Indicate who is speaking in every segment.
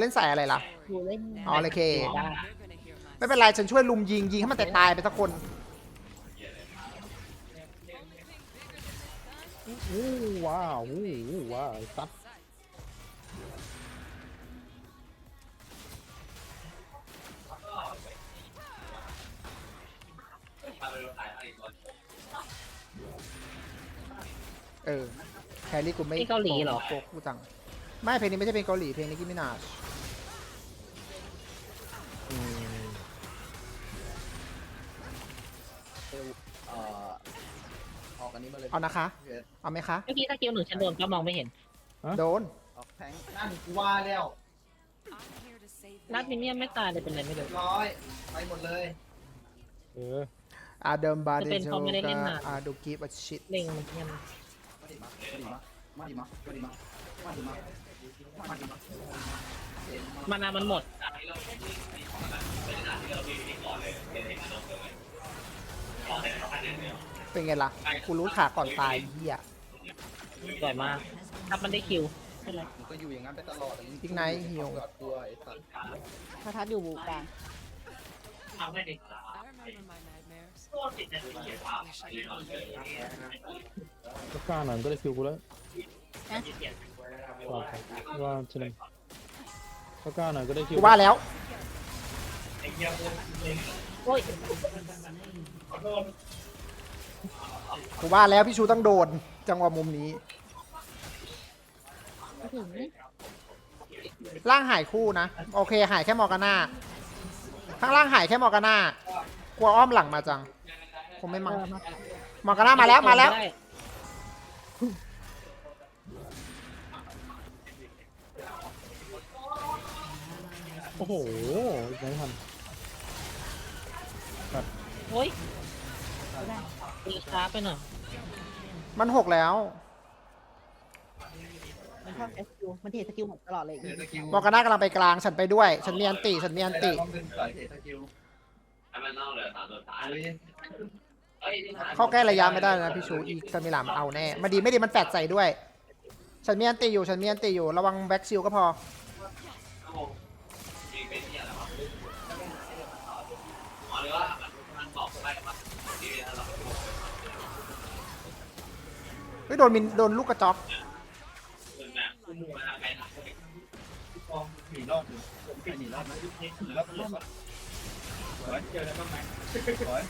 Speaker 1: ล่นสายอะไรล่ะ
Speaker 2: กูเล่น
Speaker 1: อ๋อโอเค
Speaker 2: ได้
Speaker 1: ไม่เป็นไรฉันช่วยลุมยิงให้มันตายไปสักคน
Speaker 3: ว้าวว้าวซัด
Speaker 1: แครี่กูไม่
Speaker 2: นี่เกาหลีเหรอ
Speaker 1: โกกูจังไม่เพลงนี้ไม่ใช่เพลงเกาหลีเพลงนี้กิมินาช
Speaker 3: อืม
Speaker 4: ออกอันนี้มาเลย
Speaker 1: เอานะคะ
Speaker 4: พี่เวส
Speaker 1: เอาไหมคะ
Speaker 2: เมื่อกี้สกิลหนึ่งฉันโดนก็มองไม่เห็น
Speaker 1: โดน
Speaker 4: ออกแทงนั่นกูว่าแล้ว
Speaker 2: นัดมินเนี่ยนไม่ตายเลยเป็นไรไม่รู้
Speaker 4: ร้อยไปหมดเลย
Speaker 3: เออ
Speaker 1: อาเดิมบา
Speaker 2: จะ
Speaker 1: ดิ
Speaker 2: เป็น
Speaker 1: โช
Speaker 2: เพราะไม่ได้เล่น
Speaker 1: กา
Speaker 2: นาน
Speaker 1: อาดูกิฟต์ชิต
Speaker 2: เล็งมันเนี่ย
Speaker 4: มาดิมาดิมามาดิมามาดิมามาดิมามาดิมา
Speaker 2: มานามันหมด
Speaker 1: เป็นไงล่ะกูรู้ขาก่อนตายเหี้ย
Speaker 2: สวยมากถ้ามันได้คิวเป็นไร
Speaker 4: มึงก็อยู่อย่างนั้นไปตลอด
Speaker 1: พิกไนท์ฮิว
Speaker 4: กอดตัวไอ้สัตว์
Speaker 5: พระทัดอยู่บูกลาง
Speaker 2: เอาไม่ดิ
Speaker 3: ก็กล้าหน่อยก็ได้คิวกูแล้วว่าใช่ไหมก็กล้าหน่อยก็ได้คิว
Speaker 1: กูว่าแล้ว
Speaker 2: โอ้ย
Speaker 1: กูว่าแล้วพี่ชูต้องโดนจังหวะมุมนี้
Speaker 5: ไม่ถึง
Speaker 1: ร่างหายคู่นะโอเคหายแค่มอร์กาน่าข้างล่างหายแค่มอร์กาน่ากลัวอ้อมหลังมาจังคงไม่มามอร์กาน่ามาแล้วมาแล้ว
Speaker 2: ได้
Speaker 3: โอ้โหไม่ทัน
Speaker 2: โอ้ยตีช้าไปหน่อย
Speaker 1: มันหกแล้ว
Speaker 5: มันชอบสกิลมันเทสกิลหมดตลอดเลย
Speaker 4: เดี๋ยวสกิล
Speaker 1: มอร์กาน่ากำลังไปกลางฉันไปด้วย ฉันมีอันติฉันมีอันติ
Speaker 4: ต้องดึงสายเทสกิลเฮ้ย
Speaker 1: เข้าใกล้ระยะไม่ได้นะพี่ชูอีกสมิลามเอาแน่มาดีไม่ดีมันแฟดใส่ด้วย ฉันมีอันติอยู่ฉันมีอันติอยู่ระวังแบ็กซิลก็พอเฮ้ยโดนมินโดนลูกกระจอก
Speaker 4: หนีรอดอยู่หนีรอดนะหนีรอดนะสวยเจอแล้วบ้างไหมสวย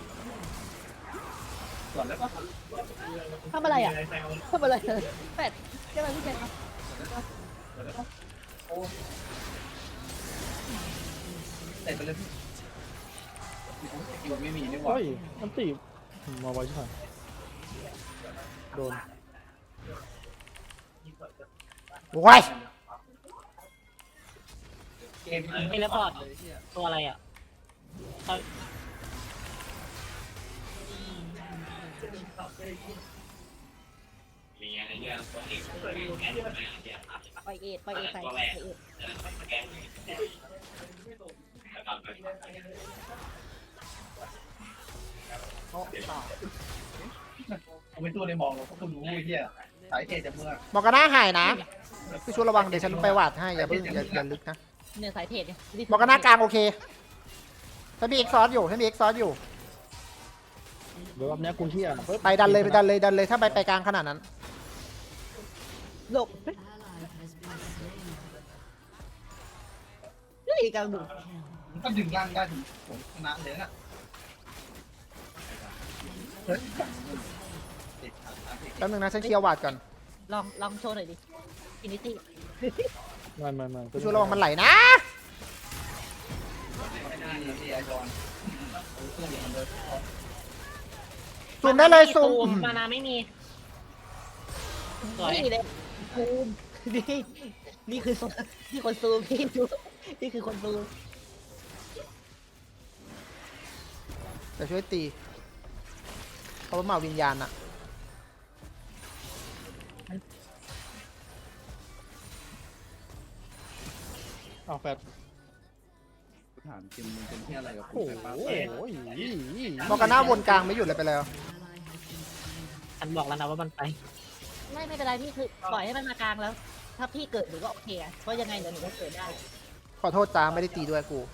Speaker 4: ก่อนแล้วก็
Speaker 5: ทำอะไรอ่ะทำอะไรแปดเจ้าอะไรพี่แจ๊ค
Speaker 4: เตะไปเลยอยู่ไม่มีนี่หว่า
Speaker 3: เฮ้ยมันตีมาไว้ใช่ไหมโดน
Speaker 1: โว้ย
Speaker 4: เกม
Speaker 2: เทเลพอร์ตตัวอะไรอ่ะเอา
Speaker 5: ไปเอ็ดไปเอ็ดใส่ไปเอ็ด
Speaker 4: ผมเป็นตัวในมองเราก็รู้เฮียสายเทจากเมื่อ
Speaker 1: มอร์กาน่าหายนะพี่ชูระวังเดี๋ยวฉันไปหวาดให้อย่าเพิ่งอย่าลึกนะ
Speaker 5: เนี่ยสายเทสเนี่ย
Speaker 1: มอร์กาน่ากลางโอเคฉันมีเอ็กซอสอยู่ฉันมีเอ็กซอสอยู่
Speaker 3: เดี๋ยวรอบนี้กูเที่ย
Speaker 1: ไปดันเลยไปดันเลยดันเลยถ้าไปกลางขนาดนั้น
Speaker 5: หลบนี่กลางดู
Speaker 4: มันก็ดึงร่างได้ถึงผมชนะเลยนะเฮ้ย
Speaker 1: แป๊บนึงนะฉันเคลียร์หวาดก่อน
Speaker 5: ลองโชว์หน่อยดิอินิตี้
Speaker 3: ไม่
Speaker 1: พี่ชูระวังมันไหลนะ
Speaker 4: ที่ไอบอลเครื่องอย่างเดิม
Speaker 1: ซูมได้เลยซูม
Speaker 2: มานาไม่มีสวย
Speaker 5: นี่เลยซูมนี่นี่คือนี่คนซูมพี่ดูนี่คือคนซูม
Speaker 1: แต่ช่วยตีเพราะว่ามาวิญญาณอะ
Speaker 3: เอาแฟด
Speaker 4: ถามจริงมึงเป็นที่อะไรกับ
Speaker 3: โอ้
Speaker 4: กู
Speaker 3: โห
Speaker 1: มอร์กาน่าวนกลางไม่หยุดเลยไปแล้ว
Speaker 2: ฉันบอกแล้วนะว่ามันไป
Speaker 5: ไม่เป็นไรพี่คือปล่อยให้มันมากลางแล้วถ้าพี่เกิดหนูก็โอเคอะเพราะยังไงเดี๋ยวหนูก็เกิดได้
Speaker 1: ขอโทษจ้าไม่ได้ตีด้วยกู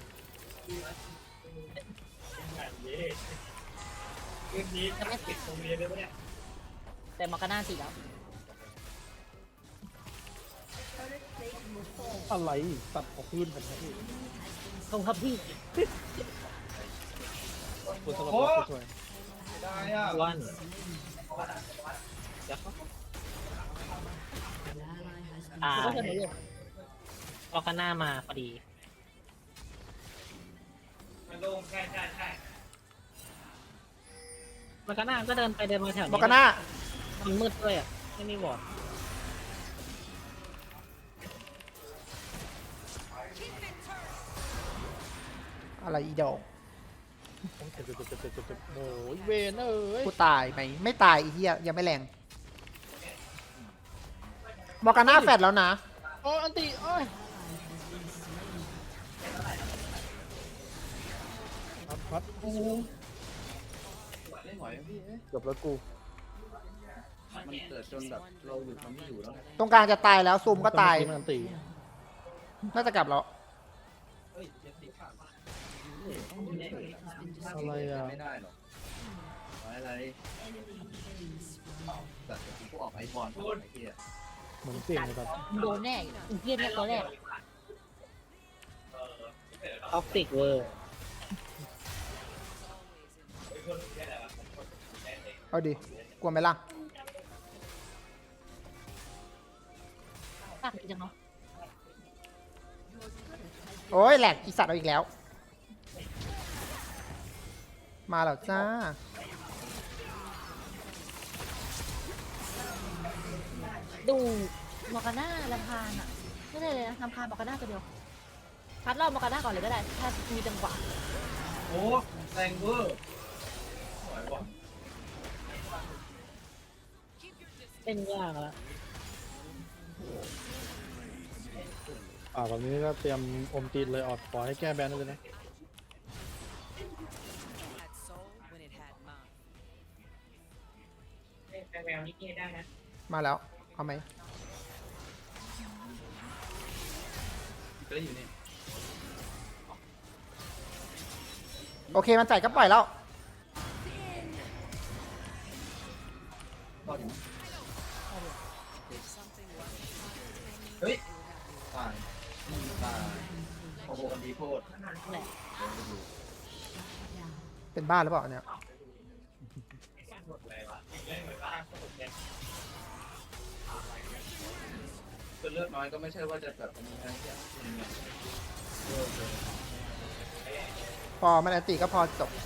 Speaker 4: คืนนี้จะไม่ปิดโรงเรียนเลยปะเนี่ย
Speaker 5: แต่มอร์กาน่าตีแล้ว
Speaker 3: อะไรตัดออกพื้นกันครับพี่
Speaker 5: ตรงครับพี่
Speaker 3: ตัวสลับตัวสวย
Speaker 4: ได้อ่ะ
Speaker 5: วัน
Speaker 2: อ่า
Speaker 5: ก็จะหนูอยู่
Speaker 2: ออกกันหน้ามาพอดี
Speaker 4: มันลงใช่ใช่ใช่
Speaker 2: มันก็หน้าก็เดินไปเดินมาแถวนี้
Speaker 1: มอร์กาน่า
Speaker 2: มันมืดด้วยอ่ะ ไม่มีวอร์ด
Speaker 1: อะไรอีดอก
Speaker 3: เจ็บโอ้ยเวนเอ้ย
Speaker 1: กูตายไหมไม่ตายอีเหี้ยยังไม่แรงมอร์กาน่าแฟดแล้วนะ
Speaker 3: โอ้ยอันติโอ้ยพัด
Speaker 4: ไม่ไหวพี่เอ๊ะ
Speaker 3: เกือบแล้วกู
Speaker 4: มันเกิดจนแบบเราอยู่ทำไม่อยู่แล้ว
Speaker 1: ตรงกลางจะตายแล้วซูมก็ตาย
Speaker 3: มันอันติ
Speaker 1: น่าจะกลับแล้ว
Speaker 3: อะไรอ่ะ
Speaker 4: ไม่ได้หรอกอะไรแต่กูออกไอบอลไอ้เหี้ย
Speaker 3: เหมือนเปลี่ยนเลยครับ
Speaker 5: โดนแน่อีเพี้ยนแน่ตัวแรก
Speaker 2: ออฟติกเวอร์
Speaker 1: เอาดิกลัวไหมล่ะ
Speaker 5: ปากจังเนาะ
Speaker 1: โอ้ยแหลกอีสัตว์เอาอีกแล้ว มาแล้วจ้า
Speaker 5: ดูมอร์กาน่าลำพานอ่ะไม่ได้เลยนะลำพานมอร์กาน่าตัวเดียวพัดรอบมอร์กาน่าก่อนเลยก็ได้ ถ้ามีจังหวะ
Speaker 4: โอ้แรงเวอร์ไหวว่ะ
Speaker 2: เป็นยากแล้ว
Speaker 3: แบบนี้ก็เตรียมอมตีนเลยออดขอให้แก้แบนเลยนะ
Speaker 2: แมวนี่ได้นะ
Speaker 1: มาแล้วเอาไหม
Speaker 4: ก็ได้อยู่นี่
Speaker 1: โอเคมันจ่ายก็ปล่อยแล้ว
Speaker 4: รอดอยู่เฮ้ยตายตายโอ้โหอันดีโคตร
Speaker 5: แหละ
Speaker 1: เป็นบ้าหรือเปล่าเนี่ย
Speaker 4: คือเลือดน้อยก็ไม่ใช่ว่าจะแบบนี้นะเนี่ย
Speaker 1: พอมันอันติก็พอจบ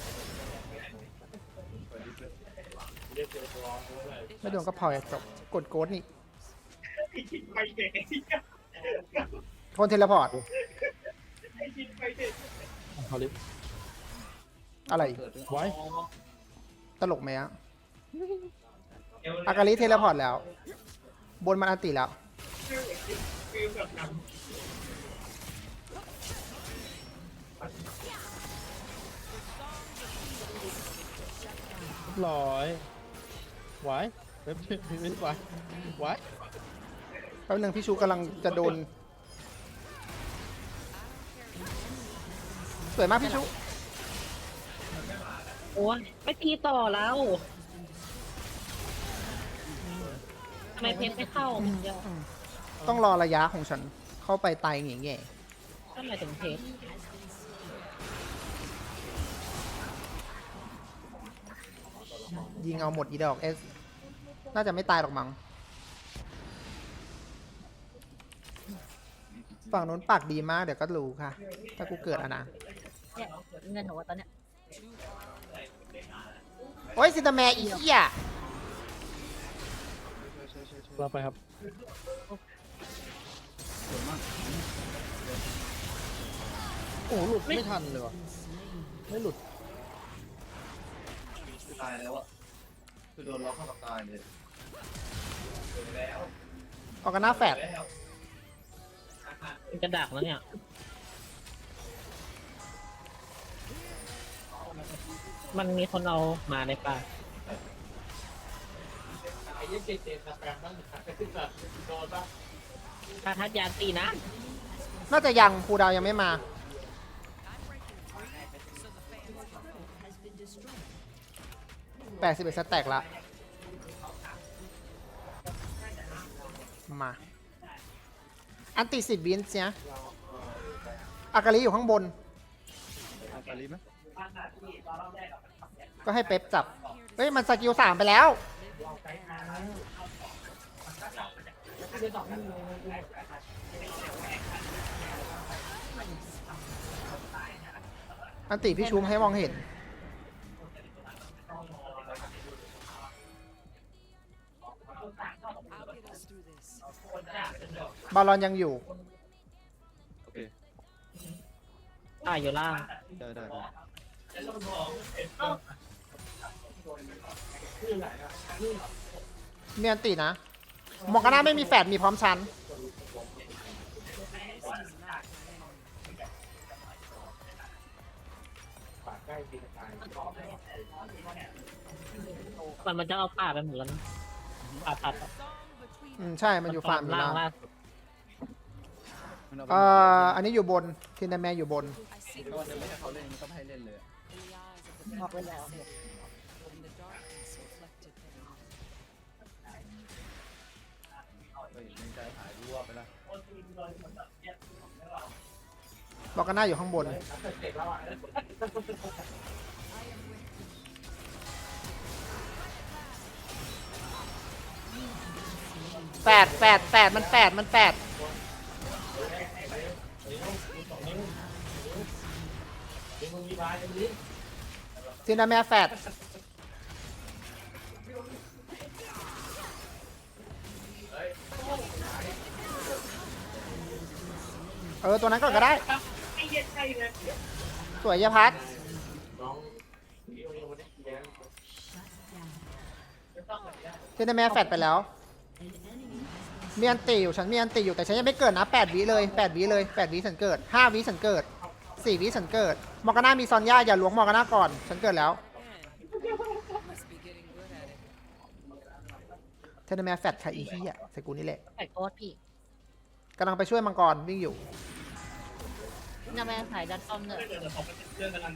Speaker 1: ไม่โดนก็พอจบกดโกดนี่คนเทเลพอร์ต
Speaker 3: เขาลิฟ
Speaker 1: อะไร
Speaker 3: ไว้
Speaker 1: ตลกไหมอะอากาลิเทเลพอร์ตแล้ว บนมันอันติแล้ว
Speaker 3: ร้อยไว้เว็บไม่ไว้ไว้
Speaker 1: แป๊บนึงพี่ชูกำลังจะโดน สวยมากพี่ชู
Speaker 2: โอ้ยไม่ตีต่อแล้วทำไมเพชรไม่เข้าเดียว
Speaker 1: ต้องรอระยะของฉันเข้าไปตายแง่
Speaker 2: ทำไมถึงเพชร
Speaker 1: ยิงเอาหมดอีดอกเอสน่าจะไม่ตายหรอกมั้งฝั่งนู้นปากดีมากเดี๋ยวก็รู้ค่ะ ถ้ากูเกิดอะนะ
Speaker 5: เนี่ยเงินหนูอะตอนเนี้ย
Speaker 1: โอ้ยซินเตอร์แมร์อีเหี้ย
Speaker 3: เราไปครับ โอ้หลุดไม่ทันเลยวะไม่หลุด
Speaker 4: คือตายแล้วอ่ะคือโดนล็อกเข้ากับตายเลย
Speaker 1: ออกกันหน้าแฟด
Speaker 2: มันจะดักแล้วเนี่ย มันมีคนเอามาในป่า
Speaker 4: ไอ้ยี่เจ็ดนะแปลงบ้างขึ้นแบบโดนบ้าง
Speaker 5: ถ้าทัดยานตีนะ
Speaker 1: น่าจะยังครูดาวยังไม่มา81สแต็กละมาอันติ10วินส์เนี่ยอากาลิอยู่ข้างบน
Speaker 3: อาการีไหม
Speaker 1: ก็ให้เป๊ปจับเฮ้ยมันสกิล3ไปแล้วอันติพี่ชูมให้มองเห็นบาลอนยังอยู่
Speaker 3: โอเค
Speaker 5: อยู่ล่าง
Speaker 3: ได้ได้
Speaker 1: มีอันตินะมอร์กาน่าไม่มีแฟดมีพร้อมชั้น
Speaker 5: มันจะเอาป่าไปหมดแล้วนะป่าตัด
Speaker 1: ใช่มันอยู่ฟาร์มอยู่
Speaker 5: ล่าง
Speaker 1: แล้ว
Speaker 5: ล่าง
Speaker 3: มันเอาไป
Speaker 1: อันนี้อยู่บนทินแมนอยู่บน
Speaker 3: ก็จะไม่ให้เขาเล่นมันก็ไม่ให้เล่นเลย
Speaker 5: บอกไว้แล้ว
Speaker 3: เฮ้ยในใจหายรั่วไปละ
Speaker 1: มอร์กาน่าอยู่ข้างบนแปดมันแปดทินแมนแฟดตัวนั้นก่อนก็ได้ สวยยะพัดเทนแมนแฟดไปแล้ว มีอันตีอยู่ฉันมีอันตีอยู่แต่ฉันยังไม่เกิดนะ8 วิเลย8 วิเลย8 วิฉันเกิด5 วิฉันเกิด4 วิฉันเกิดมอร์กาน่ามีซอนย่าอย่าล้วงมอร์กาน่าก่อนฉันเกิดแล้วเทนแมนแฟดค่ะอีเหี้ยใส่กูนี่แหละ
Speaker 5: ใส่โคตรพี่
Speaker 1: กำลังไปช่วยมังกรวิ่งอยู่
Speaker 5: นาแม่สายดันต้อมเนี่ย
Speaker 4: เรื่องกำลัง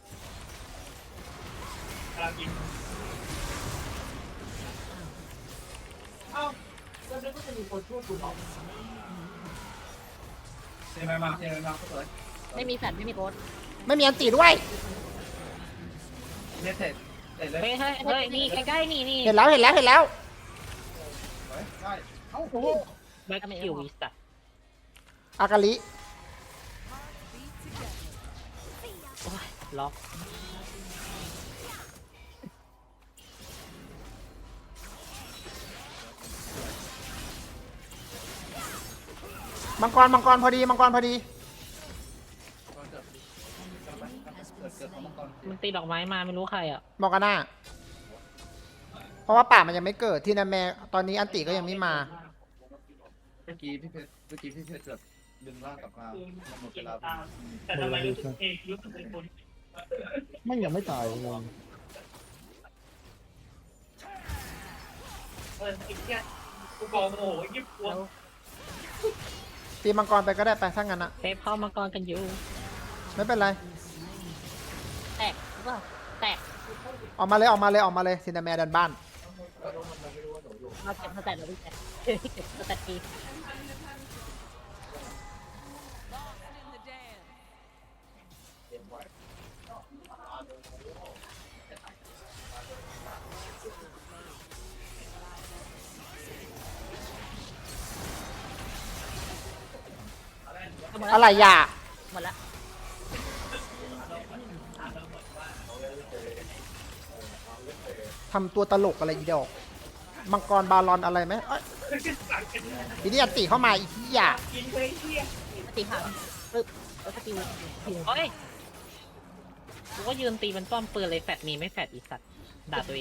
Speaker 4: กินเทไปมาก็เลย
Speaker 5: ไม่มีแฟนไม่มีโคตร
Speaker 1: ไม่มีอันตีด้วย
Speaker 4: เสร็จเลย
Speaker 5: เฮ้ยนี่ใกล้ๆนี่
Speaker 1: เห็นแล้ว
Speaker 4: ได้
Speaker 5: แบ็คคิววิสต์
Speaker 1: อากาลิ
Speaker 5: ล็อก
Speaker 1: มังกรพอดีมังกรพอดี
Speaker 5: มันตีดอกไม้มาไม่รู้ใครอ่ะ
Speaker 1: มอร์กาน่าเพราะว่าป่ามันยังไม่เกิดที่นาแมตอนนี้อันติก็ยังไม่มา
Speaker 3: เมื่อกี้พี่เพชรเกือบดึงร่างกลับมาหมดเวลา
Speaker 4: แต่ทำไมรู้สึกเป็นคน
Speaker 3: ไม่ยังไม่ตายงง
Speaker 4: อีกแค่กูกองโอ้ยยิบตัว
Speaker 1: ตีมังกรไปก็ได้ไปถ้างั้นอะ
Speaker 5: เซฟเข้ามังกรกันอยู่
Speaker 1: ไม่เป็นไร
Speaker 5: แตกหรือเปล่าแตก
Speaker 1: ออกมาเลยซินนาแมดันบ้าน
Speaker 5: เราเก็บสแตทเราพี่แตกเก็บสแตทปี
Speaker 1: อะไรอย่า
Speaker 5: หมดละ
Speaker 1: ทำตัวตลกอะไรอีดอกมังกรบาลอนอะไรไหมเอ้ยทีนี้อันติเข้ามาอีกที่อย่า
Speaker 5: ตีผ่านปึ๊บแล้วก็ตีโอ้ยกูก็ยืนตีมันป้อมปืนเลยแฟดมีไม่แฟดอีสัตว์ด่าตัวเอง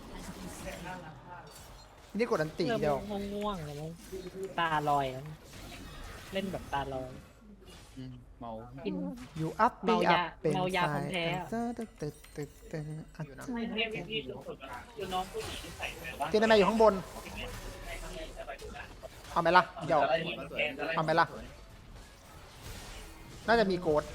Speaker 1: ทีนี้กดอันติเดียว
Speaker 5: ง่วงๆเลยมั้งตาลอยแล้วเล่นแบบตาลอย
Speaker 3: เมา
Speaker 5: กิน
Speaker 1: อยู่อัพ
Speaker 5: เมายา
Speaker 1: เป็น
Speaker 5: เมายา
Speaker 1: สา
Speaker 5: ของแท้
Speaker 1: ตึ๊ดอยู่นะ
Speaker 4: พี่น้องผู้หญิงใส่แบบว่า
Speaker 1: ซินนาแมอยู่ข้างบนเอาไหมล่ะเดี๋ยว
Speaker 3: จะไล่หมดมาสวยจะไล่
Speaker 1: เอาไหมล่ะ น่าจะมีโกด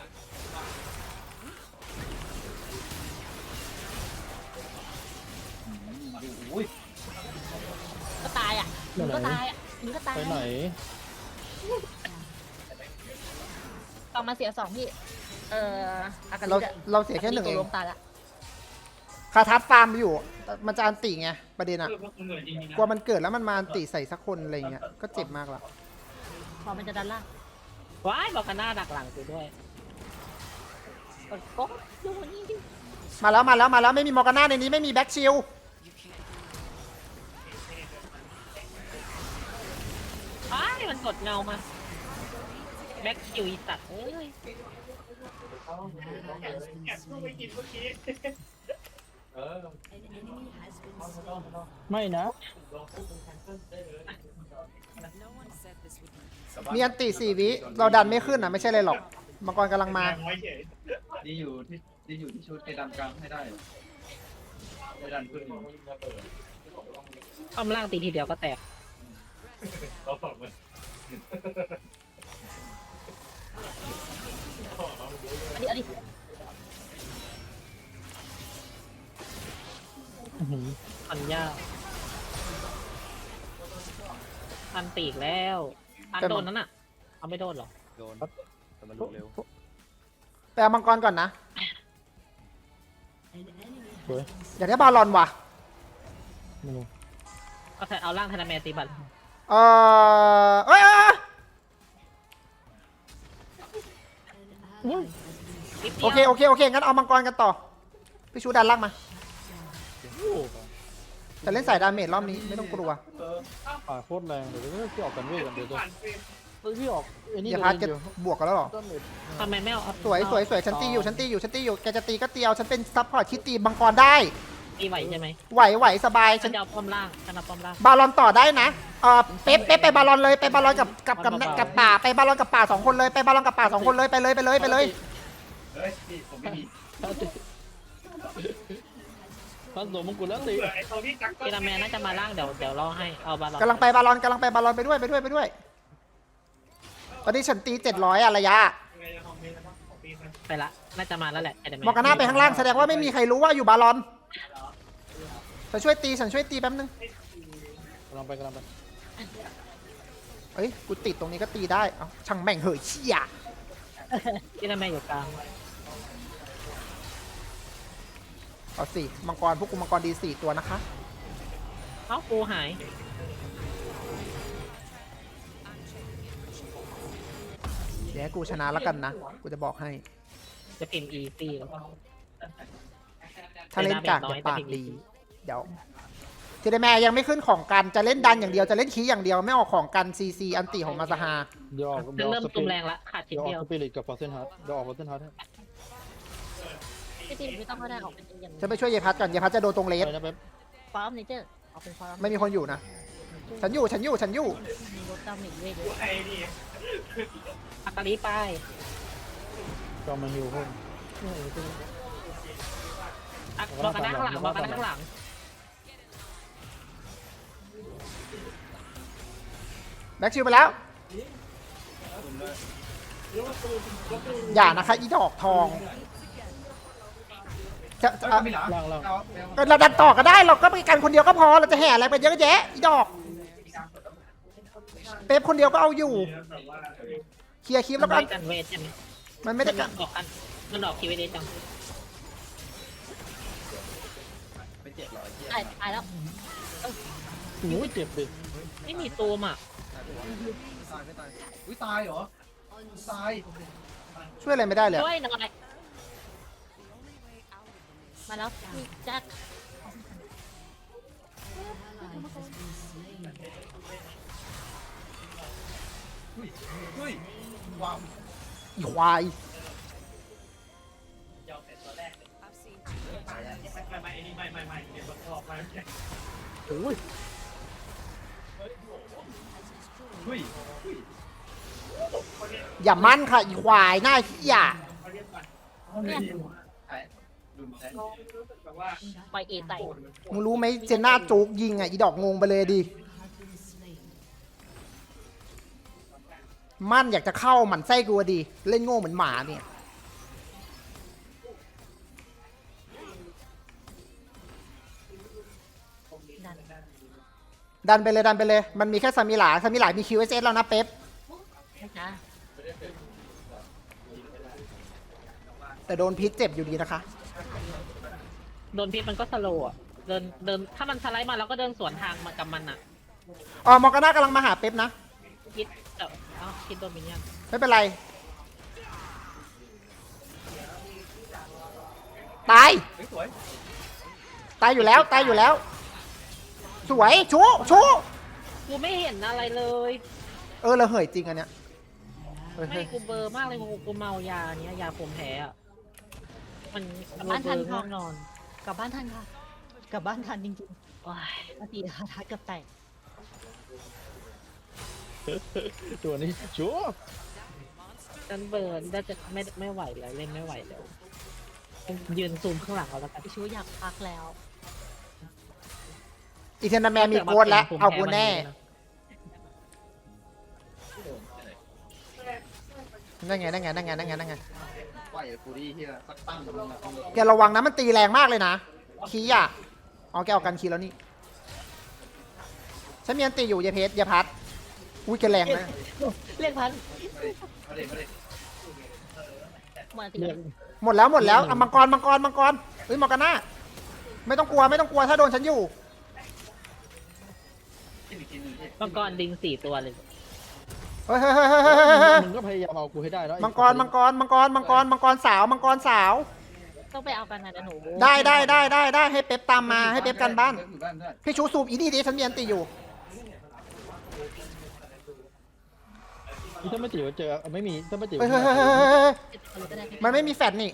Speaker 3: อุ้ย
Speaker 5: ก็ตายอ่ะมึงก็ตายอ่ะมึงก็ตาย
Speaker 2: ไปไหน
Speaker 5: ต้องมาเสีย2พี่อากา
Speaker 1: เรา
Speaker 5: ลิอะ
Speaker 1: เราเสียแค่หนึ่งเอง
Speaker 5: ตัวล้มตายละ
Speaker 1: คาทับฟาร์มอยู่ มันจะอันติไงประเด็นอะกลัวมันเกิดแล้วมันมาอันติใส่สักคนอะไรเงี้ยก็เจ็บมากละ
Speaker 5: พอมันจะดันล่าง
Speaker 6: ว้ายบอกกันหน้าดักหลังกูด้วย
Speaker 5: กดโป๊ะดูนี่ดิ
Speaker 1: มาแล้วไม่มีมอร์กาน่าในนี้ไม่มีแบ็กชิล
Speaker 6: ว้ายมันกดเงามา แบ็คคิวอีสัตว์เอ้ย
Speaker 2: ไม่นะ
Speaker 1: มีอันติ4 วิเราดันไม่ขึ้นอะไม่ใช่เลยหรอกมังกรกำลังมา
Speaker 3: ดีอยู่ที่ชุดไปดันกลางให้ได้ไปดันขึ้น
Speaker 6: ป้อมล่างตีทีเดียวก็แตก
Speaker 5: เอาดิ
Speaker 6: อันยากอันตีอีกแล้วอันโดนนั้นอ่ะ เอาไม่โดนเหรอ
Speaker 7: โดนแต่มันลุกเร็ว
Speaker 1: ไปเอามังกรก่อนนะ
Speaker 2: สวย
Speaker 1: อยากได้บาลอนว่ะ
Speaker 2: ไม่รู้
Speaker 6: ก็แทนเอาล่างธนาแมนตีบัตร
Speaker 1: เอ้ย
Speaker 6: นิด
Speaker 1: โอ
Speaker 6: เดียว
Speaker 1: เคงั้นเอามังกรกันต่อพี่ชูดันล่างมาจะเล่นสายดาเมจรอบนี้ไม่ต้องกลัว
Speaker 2: ป่าโคตรแรงเดี๋ยวพี่ออกกันเวทกันเดี๋ยวพี่ออกไอ้นี่
Speaker 1: อย่าพัดจะบวกกันแล้วหรอ
Speaker 6: ทำไมไม่เอา
Speaker 1: สวยฉันตีอยู่แกจะตีก็ตีเอาฉันเป็นซัพพอร์ตที่ตีมังกรได้
Speaker 6: ตีไหวใช่ไหม
Speaker 1: ไหวสบาย
Speaker 6: ฉั
Speaker 1: ฉั
Speaker 6: น
Speaker 1: น
Speaker 6: จะเอาป้อมล่างฉันเอาป้อมล่าง
Speaker 1: บาลอนต่อได้นะเป๊ปไปบาลอนเลยไปบาลอนกับป่าไปบาลอนกับป่า2 คนเลยไปบาลอนกับป่า2 คนเลยไปเลย
Speaker 3: เฮ้ยพี่ผมไม่มี
Speaker 2: ท่านสมมงกุฎแล้วสิ
Speaker 6: ธนาแมนน่าจะมาล่างเดี๋ยวรอให้เอาบาลอน
Speaker 1: กำลังไปบาลอนไปด้วยตอนนี้ฉันตี700อะระยะ
Speaker 6: ไปละน่าจะมาแล้วแหละ
Speaker 1: มอร์กาน่าไปข้างล่างแสดงว่าไม่มีใครรู้ว่าอยู่บาลอนฉันช่วยตีแป๊บนึง
Speaker 2: กำลังไป
Speaker 1: เอ้ยกูติดตรงนี้ก็ตีได้เอ้าช่างแม่งเหยเชี่ย
Speaker 6: ธนาแมนอยู่กลาง
Speaker 1: เอาสิมังกรพวกกูมังกรดี4 ตัวนะคะ
Speaker 6: เอ้ากูหาย
Speaker 1: เดี๋ยวให้กูชนะแล้วกันนะกูจะบอกให้
Speaker 6: จะพิมพ์อีซี
Speaker 1: ถ้าเล่นกากจะปากดีเดี๋ยวเทเดแมร์ยังไม่ขึ้นของกันจะเล่นดันอย่างเดียวจะเล่นคีอย่างเดียวไม่ออกของกันซีอันติของมาซาฮา
Speaker 2: เดี๋ยวออก
Speaker 6: เริ่มตุ่มแรงละขาดชิ้น
Speaker 2: เดี๋ยวอ
Speaker 6: เดียว
Speaker 2: อกสปิริตกับฟอร์เซนฮาร์ดเดี๋ยวออกฟอร์เซนฮาร์ดให้
Speaker 5: พี่ทีมไม่ต้องก็ได้ออกเป็นอย่าง
Speaker 1: จะไปช่วยเยพัทก่อนเยพัทจะโดนตรงเลส
Speaker 2: ไปนะเป๊ป
Speaker 5: ฟาร์มเนเจอร์ออกเป็นฟาร์ม
Speaker 1: ไม่มีคนอยู่นะฉันอยู่
Speaker 5: มีรถดาเมจเวทเยอะ
Speaker 6: อักกะลีไป
Speaker 2: ก็มาฮิวเพิ่ม
Speaker 6: บอกกันข้างหลังบอกกันข้างหลัง
Speaker 1: แบ็กชิลไปแล้ว อย่านะคะอีดอกทองจะ
Speaker 3: เฮ้ยไม่หนา
Speaker 2: ล่าง
Speaker 1: ก็เราดันต่อก็ได้เราก็ไปกันคนเดียวก็พอเราจะแห่อะไรไปเยอะแยะอีดอกเป๊ปคนเดียวก็เอาอยู่เคลียร์คลิปแล้วก็
Speaker 6: กันเวทใช่ไหม
Speaker 1: มันไม่ได้กัน
Speaker 6: ออกกันมันออกคิวเวทจัง
Speaker 3: ไป700เที่ย
Speaker 5: ตายแล้ว
Speaker 2: โอ้ยเจ็บดิ
Speaker 6: ไม่มีตูมอ่ะ
Speaker 3: ไม่ตายอุ้ยตายเหรอตาย
Speaker 1: ช่วยอะไรไม่ได้เลย
Speaker 6: ช่วยหน่อย
Speaker 5: มาแล้วพี่แจ็ค
Speaker 3: เฮ้ยว้าว
Speaker 1: อีควาย
Speaker 2: โอ้ย
Speaker 3: เฮ้ย
Speaker 1: อย่ามั่นค่ะอีควายหน้าขี้ย
Speaker 3: ไอ้ลุมแท้
Speaker 5: ปล่อยเอไต่
Speaker 1: มึงรู้ไหมเจน่าโจ๊กยิงอ่ะอีดอกงงไปเลยดิมั่นอยากจะเข้าหมันไส้กูอะดีเล่นโง่เหมือนหมาเนี่ย
Speaker 5: ดัน
Speaker 1: ดันไปเลยดันไปเลย มันมีแค่ซามิหลามี QSS แล้วนะเป๊ป
Speaker 5: นะ
Speaker 1: แต่โดนพิษเจ็บอยู่ดีนะคะ
Speaker 6: โดนพิษมันก็สโลว์อะเดินถ้ามันสไลด์มาเราก็เดินสวนทางมากับมันอ่ะ
Speaker 1: อ๋อมอร์กาน่ากำลังมาหาเป๊ปนะ
Speaker 6: พิษพิษโดมิเนียน
Speaker 1: ไม่เป็นไร ตาย
Speaker 3: เฮ้ยสวย
Speaker 1: ตายอยู่แล้ว ตายอยู่แล้ว สวย ชู
Speaker 6: กูไม่เห็นอะไรเลย
Speaker 1: เราเหยจริงอันเนี้ยเฮ้ย
Speaker 6: ไม่กูเบลอร์มากเลยกูเมายาเนี้ยยาผมแพ้อะมันเบลอง่วงนอน
Speaker 5: กลับบ้านทันค่ะ กลับบ้านทันจริง
Speaker 6: ว้าย
Speaker 5: ๆปกติคาทัดเกือบแตก
Speaker 2: ตัวนี้ชัวร์
Speaker 6: ฉันเบลอร์น่าจะไม่ไหวแล้วเล่นไม่ไหวแล้วยืนซูมข้างหลังเอาแล้วกัน
Speaker 5: พี่ชูอยากพักแล้ว
Speaker 1: อีเทนนาแมนมีโค้ดแล้ว เอากูแน่ นั่นไง
Speaker 3: ไหวฟูดี้ที่สักตั้งมัน
Speaker 1: แกระวังนะมันตีแรงมากเลยนะ คีย์อ่ะอ๋อแกออกกันคีย์แล้วนี่ ฉันมีอันตีอยู่อย่าเพชรอย่าพัด อุ้ยแกแรงนะ
Speaker 5: เรียกพัน
Speaker 3: มาเลย
Speaker 5: หมดตี
Speaker 1: หมดแล้วอ่ะมังกรเฮ้ยมอร์กาน่าไม่ต้องกลัวถ้าโดนฉันอยู่
Speaker 3: กินอีกทีนึงพี่
Speaker 6: มังกรลิง4 ตัวเลย
Speaker 1: เฮ้ย
Speaker 2: มึงก็พยายามเอากูให้ได้แล้ว
Speaker 1: มังกรสาว
Speaker 5: ต้องไปเอากันนะเดี๋ยวหนู
Speaker 1: ได้ให้เป๊ปตามมาให้เป๊ปกันบ้าน
Speaker 3: อยู่บ้านด้วย
Speaker 1: พี่ชูซูมอีนี่ดิฉันมีอันตีอยู่
Speaker 2: ถ้าไม่ติวเจอไม่มีถ้าไม่ติว
Speaker 1: เฮ้ย มันไม่มีแฟดนี่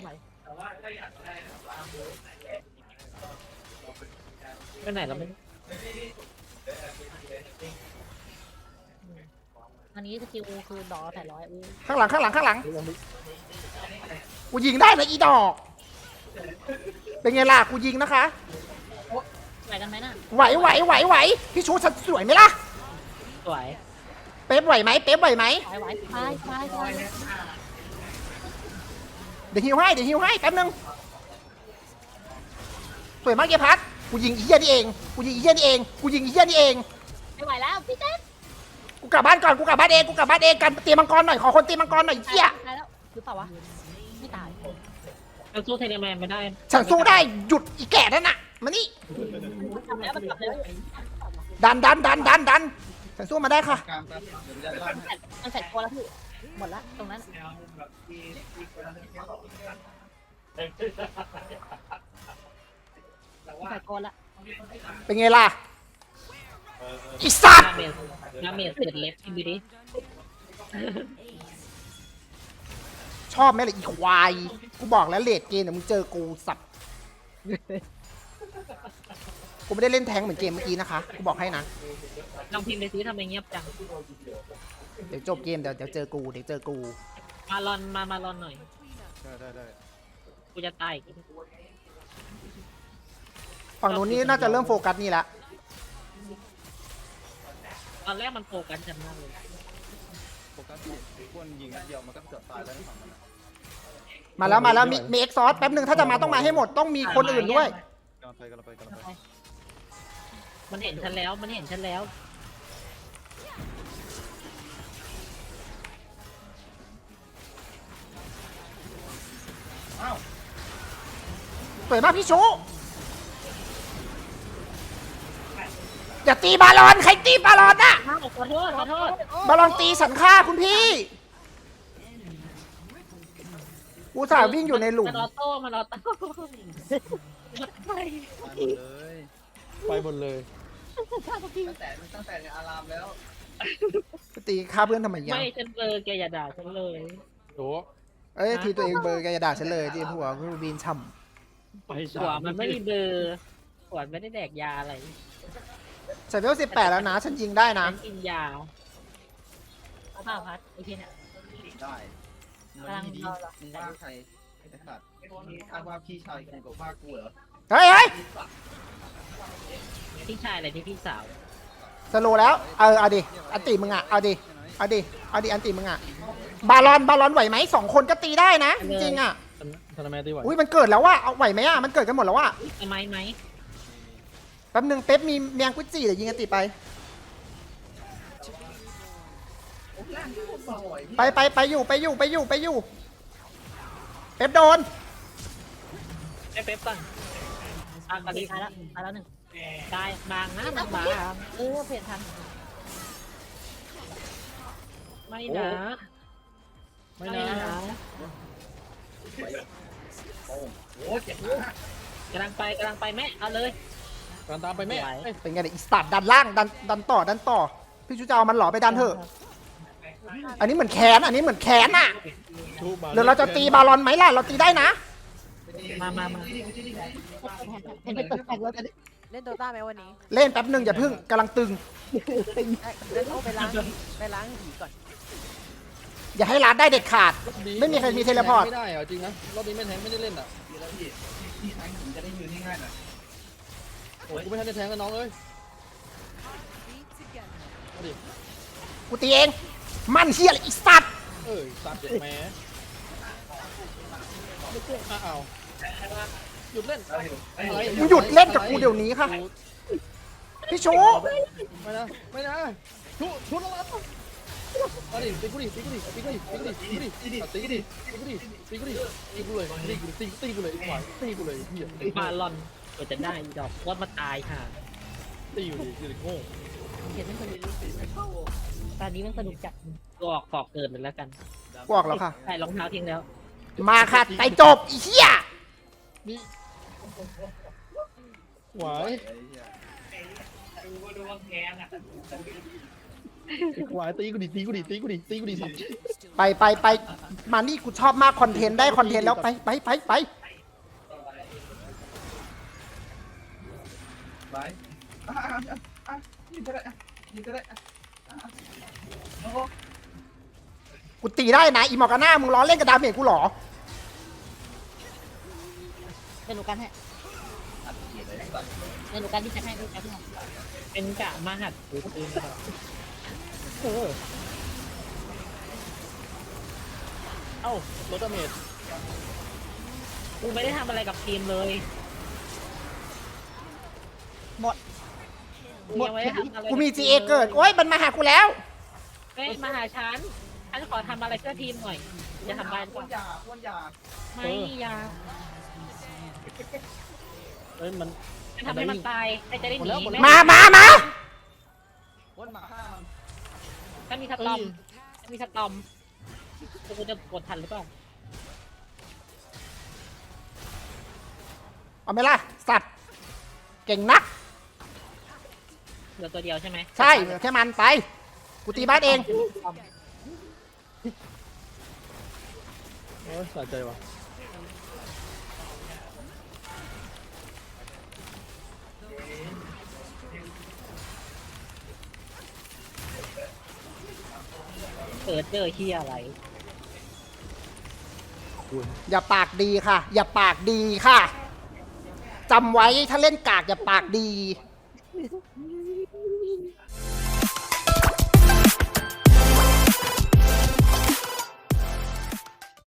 Speaker 6: ไปไหนแล้วไม่
Speaker 5: อันนี้สกิลคือดอ800อู้
Speaker 1: ข้างหลังกูยิงได้นะอีดอก เป็นไงล่ะกูยิงนะคะ
Speaker 5: ไหวกันไหมน่ะ
Speaker 1: ไหวพี่ชูฉันสวยไหมล่ะ
Speaker 6: สวย
Speaker 1: เป๊ปไหวไหม
Speaker 5: ไหวไป
Speaker 1: เดี๋ยวฮิวให้แป๊บนึงสวยมากเยพัทกูยิงอีเหี้ยนี่เอง
Speaker 5: ไม่ไหวแล้วพี่เต้น
Speaker 1: กูกลับบ้านก่อนกูกลับบ้านเองกันตีมังกรหน่อยขอคนตีมังกรหน่อยเหี้ย
Speaker 5: ตายแล้วหรือเปล่าวะไม่ตาย
Speaker 6: เราสู้เทเลแมนไม่ได้
Speaker 1: ฉันสู้ได้หยุดอีแก่นั่นน่ะมานี่
Speaker 5: ทำแล้วมันกลับแล้ว
Speaker 1: ดันฉันสู้มาได้ค่ะ
Speaker 3: กลางแป๊บเดี๋ยวจะบ้านให้
Speaker 5: มันใส่ตัวแล้วพี่หมดละตรงนั้นใส่ตัวละ
Speaker 1: เป็นไงล่ะอีสัตว์
Speaker 6: น้ำเมสเสร็จเล็บพี่ดูดิ
Speaker 1: ชอบไหมล่ะอีควายกูบอกแล้วเลดเกมเดี๋ยวมึงเจอกูสับกูไม่ได้เล่นแทงค์เหมือนเกมเมื่อกี้นะคะกูบอกให้นะ
Speaker 6: ลองพิมพ์ไปซิทำไมเงียบจัง
Speaker 1: เดี๋ยวจบเกมเดี๋ยวเจอกู
Speaker 6: มาลอนหน่อย
Speaker 2: ได้
Speaker 6: กูจะตายอีก
Speaker 1: ฝั่งนู้นนี่น่าจะเริ่มโฟกัสนี่ละ
Speaker 6: ตอนแรกมันโฟกัสฉันมากเลย
Speaker 3: โฟกัสที่ควรยิงนัดเดียวมันก็เกือบตายแล้วในฝั่งนั้น
Speaker 1: มาแล้วมีเอ็กซอสแป๊บนึงถ้าจะมาต้องมาให้หมดต้องมีคนอื่นด้วย
Speaker 3: กำลังไป
Speaker 6: มันเห็นฉันแล้ว
Speaker 3: อ้าว
Speaker 1: สวยมากพี่ชูอย่าตีบาลอนใครตีบาลอนน่ะ
Speaker 6: ขอโทษ
Speaker 1: บาลอนตีสันฆ่าคุณพี่อุตส่าห์วิ่งอยู่ในหลุม
Speaker 6: มันออโต้
Speaker 2: ไปหมดเลย
Speaker 3: ตั้งแต่ในอารามแล้ว
Speaker 1: ตีฆ่าเพื่อนทำไมยัง
Speaker 6: ไม่ฉันเบลอแกอย่าด่าฉันเลย
Speaker 2: โอ้
Speaker 1: เอ้ยทีตัวเองเบอร์แกจะด่าฉันเลยที่หัวคือบีนช่
Speaker 2: ไป
Speaker 6: หัวมันไม่มีเบลอหัวไม่ได้แดกยาอะไร
Speaker 1: ำใส่เวล18แล้วนะฉันยิงได้นะ
Speaker 6: ฉันกินยา
Speaker 5: เอาเปล่าพัดไอเทียเนี่ย
Speaker 3: ได้มันดีมึงว่าใครไอ้สัตว์อ้างว่าพี่ชายกูกับว่ากูเหรอ
Speaker 1: เฮ้ย
Speaker 6: พี่ชายอะไรที่พี่สาว
Speaker 1: สโลว์แล้วเอาดิอันติมึงอ่ะเอาดิเอาดิอันติมึงอะบาลอนไหวไหม2 คนก็ตีได้นะ จริงๆอะ
Speaker 2: ธนาแมตีไหว
Speaker 1: อุ้ยมันเกิดแล้วว่าเอาไหวไหมอะมันเกิดกันหมดแล้วว่า
Speaker 6: ไหม
Speaker 1: แป๊บนึงเป๊ปมีเมียงกุจิเดี๋ยวยิงอันติไป ไปอยู่เป๊ปโดน
Speaker 6: ไอ้เป๊ปก่อนตอนนี้
Speaker 5: ตายแล้วหนึ่ง
Speaker 6: ตายบางนะมันบาง
Speaker 5: เปลี่ยนทัน
Speaker 6: ไม่นะ
Speaker 2: ไม่นะ
Speaker 4: โอ้เจ็บมาก
Speaker 6: กำลังไปแม่เอาเลย
Speaker 2: การตามไปแม่
Speaker 6: ไหว
Speaker 2: เอ้ย
Speaker 1: เป็นไงเนี่ยอีสตาร์ทดันล่างดันต่อพี่ชูจะเอามันเหรอไปดันเถอะอันนี้เหมือนแค้นอะ
Speaker 2: ชูบา
Speaker 1: เดี๋ยวเราจะตีบาลอนไหมล่ะเราตีได้นะ
Speaker 6: มา
Speaker 5: เห็นเป็นตึกแตกแล้ว
Speaker 7: เล่นโดต้าไหมวันนี้
Speaker 1: เล่นแป๊บนึงอย่าพึ่งกำลังตึง
Speaker 7: เล่นโอ้ไปล้างหีก่อน
Speaker 1: อย่าให้ร้านได้เด็ดขาด ไม่มีใครมีเทเลพอร์ต
Speaker 2: ไม่ได้เหรอจริงนะรอบนี้แม่แทงไม่ได้เล่นอ่ะ
Speaker 3: ดีแล้วพี่แทงผมจะได้ยืนง่ายๆหน่อย
Speaker 2: โอ้ยกูไม่ทันได้แทงกับน้องเลยเอาดิ
Speaker 1: กูตีเองมันเฮียอะไรอีสัตว์
Speaker 2: สัตว์เด็กแม่อ้าวหยุดเล่นอะไร
Speaker 1: มึงหยุดเล่นกับกูเดี๋ยวนี้ค่ะพี่ชู
Speaker 2: ไม่นะชุดแล้วเอาดิตีกูดิตีกูเลยตีกูเลยอีกฝ่ายตีกูเลยพี่
Speaker 6: บาลอนก็จะได้ดอกว่ามาตายค่ะ
Speaker 2: ตีอยู่ดิตีโง่
Speaker 5: เห็นมันสนุกตอนนี้มันสนุกจัด
Speaker 6: ก็ออกกอกเกินไปแล้วกัน
Speaker 1: กวอกแล้วค่ะ
Speaker 6: ใส่รองเท้าทิ้งแล้ว
Speaker 1: มาค่ะไปจบอีเหี้ย
Speaker 2: นี่หวาย
Speaker 4: ดูว่าแค้นอ่ะ
Speaker 2: หวายตีกูดิสัตว์
Speaker 1: ไปมานี่กูชอบมากคอนเทนต์ได้คอนเทนต์แล้วไป
Speaker 3: ไปยิงก็ได้
Speaker 1: กูตีได้นะอีหมอกาน่ามึงล้อเล่นกับดาเมจกูเหรอ
Speaker 5: เดี๋ยวหนูกันให้เดี๋ยวหนูกันที่จะให้ดูกัน
Speaker 6: เป็นกะมาหัดปืนตลอด
Speaker 2: เอ้ารถดาเมจ
Speaker 6: กูไม่ได้ทำอะไรกับทีมเลย
Speaker 1: หมด
Speaker 6: กูยังไม่ได้ทำอะไร
Speaker 1: กูมี GA เกิดโอ้ยมันมาหากูแล้ว
Speaker 6: เฮ้ยมาหาฉันขอทำอะไรเพื่อทีมหน่อยจะทำบ้านก่อน
Speaker 3: อ้วนยา
Speaker 6: ไม่อยาก
Speaker 2: เอ้ยมัน
Speaker 6: จะทำให้มันตายใครจะได้หนี
Speaker 1: มา
Speaker 3: อ้วนหมาฆ่ามัน
Speaker 6: ถ้ามีสตอมกูจะกดทันหรือเปล่า
Speaker 1: เอาไหมล่ะสัตว์เก่งนัก
Speaker 6: เหลือตัวเดียวใช่ไหม
Speaker 1: ใช่เหลือแค่มันไปกูตีบ้านเอง
Speaker 2: โอ้ยสะใจว่ะ
Speaker 6: เปิดเจอเฮียอะไร
Speaker 1: อย่าปากดีค่ะ อย่าปากดีค่ะจำไว้ถ้าเล่นกากอย่าปากดี